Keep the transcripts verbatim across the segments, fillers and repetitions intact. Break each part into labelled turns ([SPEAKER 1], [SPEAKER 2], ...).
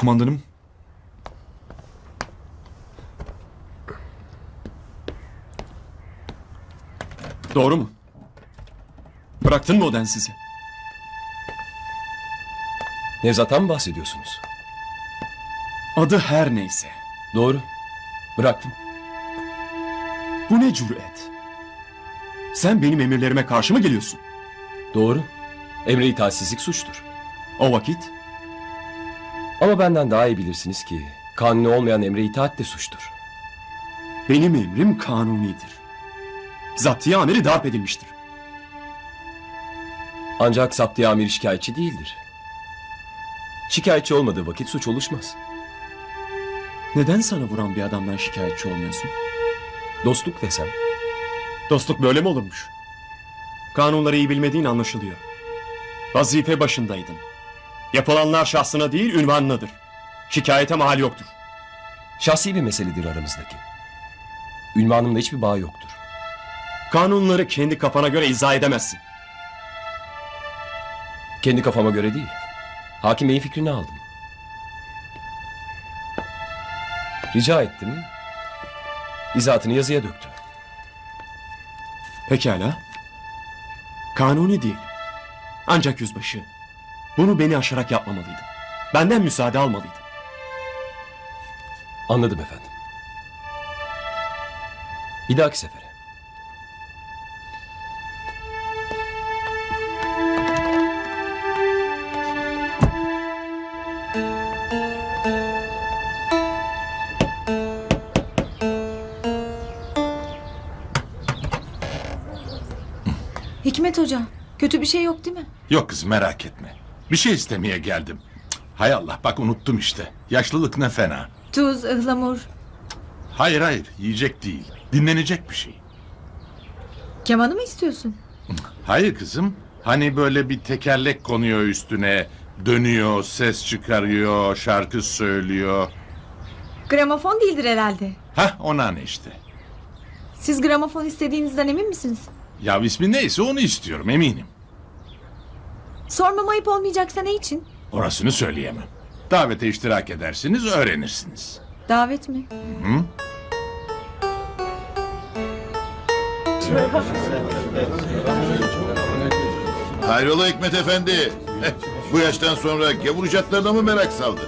[SPEAKER 1] Kumandanım. Doğru mu? Bıraktın mı o densizi?
[SPEAKER 2] Nevzat'tan mı bahsediyorsunuz?
[SPEAKER 1] Adı her neyse.
[SPEAKER 2] Doğru. Bıraktım.
[SPEAKER 1] Bu ne cüret? Sen benim emirlerime karşı mı geliyorsun?
[SPEAKER 2] Doğru. Emre itaatsizlik suçtur.
[SPEAKER 1] O vakit
[SPEAKER 2] Ama benden daha iyi bilirsiniz ki kanuni olmayan emre itaat de suçtur.
[SPEAKER 1] benim emrim kanunidir. Zaptiye amiri darp edilmiştir.
[SPEAKER 2] Ancak saptiye amir şikayetçi değildir. Şikayetçi olmadığı vakit suç oluşmaz.
[SPEAKER 1] Neden sana vuran bir adamdan şikayetçi olmuyorsun?
[SPEAKER 2] Dostluk desem.
[SPEAKER 1] Dostluk böyle mi olurmuş? Kanunları iyi bilmediğin anlaşılıyor. Vazife başındaydın. Yapılanlar şahsına değil ünvanınadır. Şikayete mahal yoktur.
[SPEAKER 2] Şahsi bir meseledir aramızdaki. Ünvanımla hiçbir bağ yoktur.
[SPEAKER 1] Kanunları kendi kafana göre izah edemezsin.
[SPEAKER 2] Kendi kafama göre değil. Hakim Bey'in fikrini aldım. Rica ettim. İzahatını yazıya döktü.
[SPEAKER 1] Pekala. Kanuni değil. Ancak yüzbaşı, bunu beni aşarak yapmamalıydın. Benden müsaade almalıydın.
[SPEAKER 2] Anladım efendim. Bir dahaki sefere.
[SPEAKER 3] Hikmet Hoca, kötü bir şey yok değil mi?
[SPEAKER 4] Yok kız merak etme. Bir şey istemeye geldim. Cık, hay Allah bak unuttum işte. Yaşlılık ne fena.
[SPEAKER 3] Tuz, ıhlamur.
[SPEAKER 4] Hayır hayır yiyecek değil. Dinlenecek bir şey.
[SPEAKER 3] Kemanı mı istiyorsun?
[SPEAKER 4] Hayır kızım. Hani böyle bir tekerlek konuyor üstüne. Dönüyor, ses çıkarıyor, şarkı söylüyor.
[SPEAKER 3] Gramofon değildir herhalde.
[SPEAKER 4] Hah ona ne işte.
[SPEAKER 3] Siz gramofon istediğinizden emin misiniz?
[SPEAKER 4] Ya ismi neyse onu istiyorum eminim.
[SPEAKER 3] Sormam ayıp olmayacaksa ne için?
[SPEAKER 4] Orasını söyleyemem. Davete iştirak edersiniz öğrenirsiniz.
[SPEAKER 3] Davet mi?
[SPEAKER 4] Hı?
[SPEAKER 5] Hayrola Hikmet Efendi? Eh, bu yaştan sonra gavur icatlarına mı merak saldın?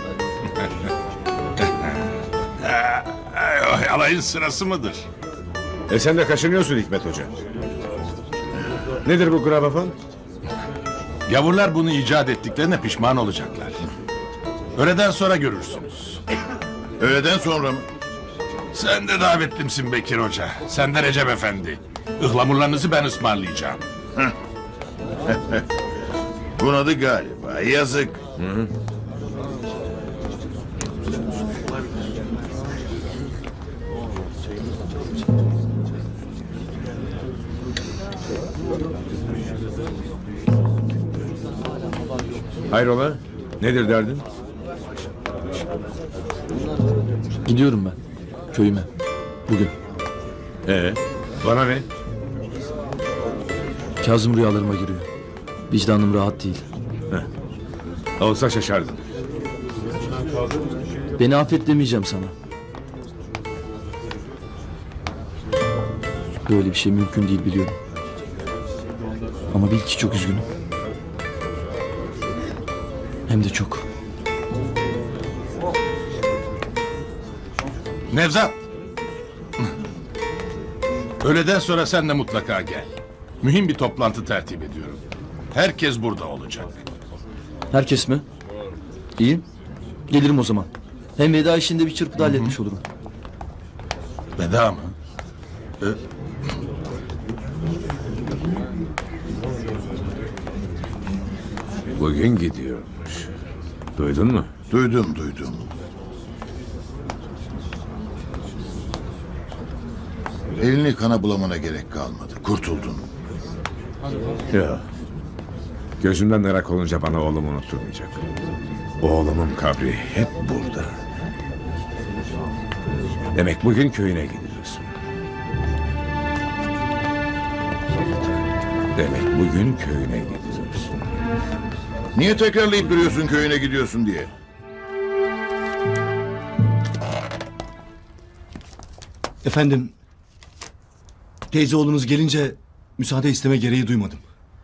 [SPEAKER 4] Ay, alayın sırası mıdır?
[SPEAKER 6] E sen de kaşınıyorsun Hikmet Hoca. Nedir bu gramofon?
[SPEAKER 4] Gavurlar bunu icat ettiklerine pişman olacaklar. Öğleden sonra görürsünüz.
[SPEAKER 5] Öğleden sonra mı?
[SPEAKER 4] Sen de davetlimsin Bekir Hoca. Sen de Recep Efendi. Ihlamurlarınızı ben ısmarlayacağım.
[SPEAKER 5] Bunadı galiba. Yazık.
[SPEAKER 6] Hayrola? Nedir derdin?
[SPEAKER 7] Gidiyorum ben. Köyüme. Bugün.
[SPEAKER 6] Ee, bana ne?
[SPEAKER 7] Kazım rüyalarıma giriyor. Vicdanım rahat değil.
[SPEAKER 6] Olsa şaşardım.
[SPEAKER 7] Beni affet demeyeceğim sana. Böyle bir şey mümkün değil biliyorum. Ama bil ki çok üzgünüm. Hem de çok.
[SPEAKER 4] Nevzat. Öğleden sonra sen de mutlaka gel. Mühim bir toplantı tertip ediyorum. Herkes burada olacak.
[SPEAKER 7] Herkes mi? İyi. Gelirim o zaman. Hem veda işinde bir çırpıda halletmiş olurum.
[SPEAKER 4] Veda mı? Ee,
[SPEAKER 6] Bugün gidiyormuş. Duydun mu?
[SPEAKER 5] Duydum duydum. Elini kana bulamana gerek kalmadı. Kurtuldun.
[SPEAKER 6] Ya. Gözümden merak olunca bana oğlumu unutturmayacak. Oğlumun kabri hep burada. Demek bugün köyüne gidiyorsun. Demek bugün köyüne gidiyorsun.
[SPEAKER 5] Niye tekrarlayıp duruyorsun köyüne gidiyorsun diye?
[SPEAKER 8] Efendim, teyze oğlunuz gelince müsaade isteme gereği duymadım.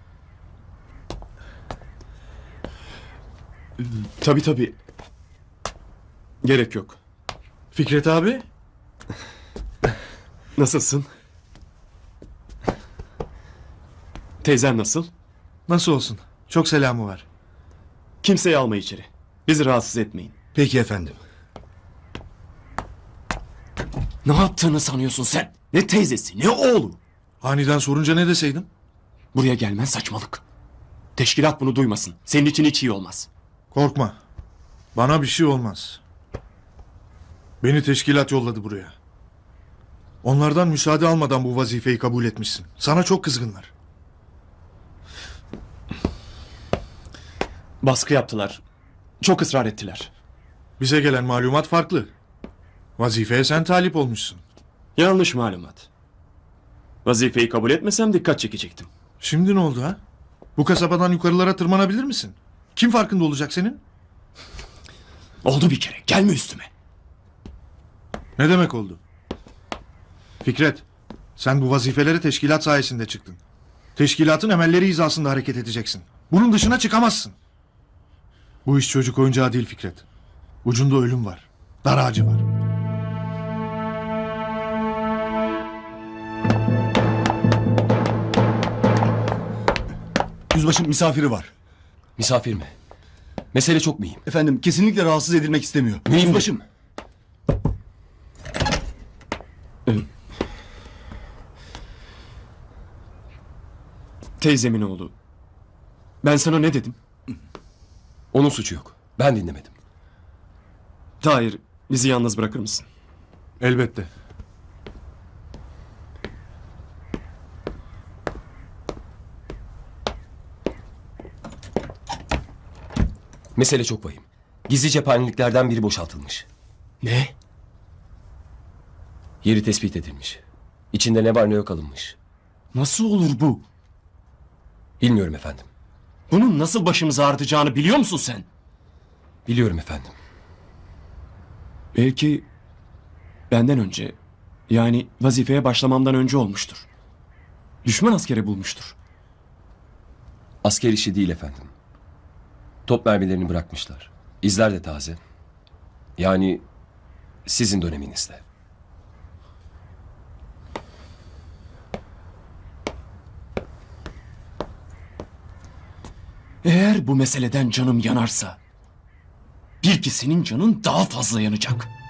[SPEAKER 1] Tabii tabii. Gerek yok.
[SPEAKER 8] Fikret abi?
[SPEAKER 1] Nasılsın? Teyzen nasıl?
[SPEAKER 8] Nasıl olsun? Çok selamı var.
[SPEAKER 1] Kimseyi alma içeri. Bizi rahatsız etmeyin.
[SPEAKER 8] Peki efendim.
[SPEAKER 1] Ne yaptığını sanıyorsun sen? Ne teyzesi ne oğlu?
[SPEAKER 8] Aniden sorunca ne deseydim?
[SPEAKER 1] Buraya gelmen saçmalık. Teşkilat bunu duymasın. Senin için hiç iyi olmaz.
[SPEAKER 8] Korkma. Bana bir şey olmaz. Beni teşkilat yolladı buraya. Onlardan müsaade almadan bu vazifeyi kabul etmişsin. Sana çok kızgınlar.
[SPEAKER 1] Baskı yaptılar. Çok ısrar ettiler.
[SPEAKER 8] Bize gelen malumat farklı. Vazifeye sen talip olmuşsun.
[SPEAKER 1] Yanlış malumat. Vazifeyi kabul etmesem dikkat çekecektim.
[SPEAKER 8] Şimdi ne oldu ha? Bu kasabadan yukarılara tırmanabilir misin? Kim farkında olacak senin?
[SPEAKER 1] Oldu bir kere. Gelme üstüme.
[SPEAKER 8] Ne demek oldu? Fikret, sen bu vazifelere teşkilat sayesinde çıktın. Teşkilatın emelleri hizasında hareket edeceksin. Bunun dışına çıkamazsın. Bu iş çocuk oyuncağı değil Fikret. Ucunda ölüm var. Dar ağacı var. Yüzbaşım misafiri var.
[SPEAKER 2] Misafir mi? Mesele çok mühim.
[SPEAKER 8] Efendim kesinlikle rahatsız edilmek istemiyor.
[SPEAKER 2] Mühim
[SPEAKER 8] Yüzbaşım.
[SPEAKER 2] mi?
[SPEAKER 1] Teyzemin oğlu. Ben sana ne dedim?
[SPEAKER 2] Onun suçu yok. Ben dinlemedim.
[SPEAKER 1] Tahir, bizi yalnız bırakır mısın?
[SPEAKER 8] Elbette.
[SPEAKER 2] Mesele çok vahim. Gizli cephaneliklerden biri boşaltılmış.
[SPEAKER 1] Ne?
[SPEAKER 2] Yeri tespit edilmiş. İçinde ne var ne yok alınmış.
[SPEAKER 1] Nasıl olur bu?
[SPEAKER 2] Bilmiyorum efendim.
[SPEAKER 1] Bunun nasıl başımıza artacağını biliyor musun sen?
[SPEAKER 2] Biliyorum efendim.
[SPEAKER 1] Belki benden önce, yani vazifeye başlamamdan önce olmuştur. Düşman askeri bulmuştur.
[SPEAKER 2] Asker işi değil efendim. Top mermilerini bırakmışlar. İzler de taze. Yani sizin döneminizde.
[SPEAKER 1] Eğer bu meseleden canım yanarsa, bil ki senin canın daha fazla yanacak.